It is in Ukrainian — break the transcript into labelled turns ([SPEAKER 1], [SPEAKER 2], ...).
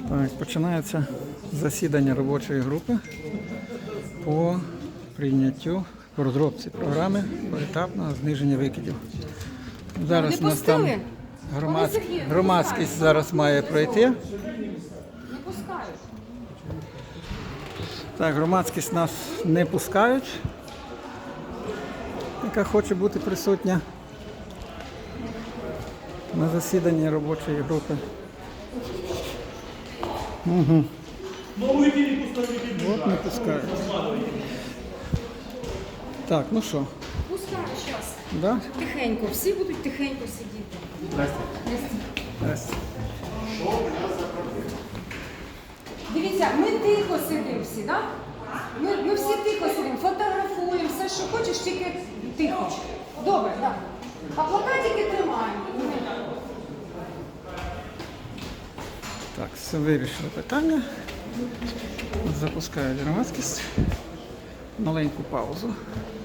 [SPEAKER 1] Так, починається засідання робочої групи по прийняттю, по розробці програми поетапного зниження викидів. Зараз у нас там громадськість зараз має пройти.
[SPEAKER 2] Не пускають.
[SPEAKER 1] Так, громадськість нас не пускають, яка хоче бути присутня на засіданні робочої групи. Угу. От не пускають. Так, ну що?
[SPEAKER 2] Пускають зараз.
[SPEAKER 1] Да?
[SPEAKER 2] Тихенько. Всі будуть тихенько сидіти.
[SPEAKER 1] Здрасте.
[SPEAKER 2] Дивіться, ми тихо сидимо всі, так? Ми всі тихо сидимо, фотографуємо, все, що хочеш, тільки тихо. Добре, так. А плакатики тримаємо.
[SPEAKER 1] Так, все вирішили питання. Запускають громадськість. Маленьку паузу.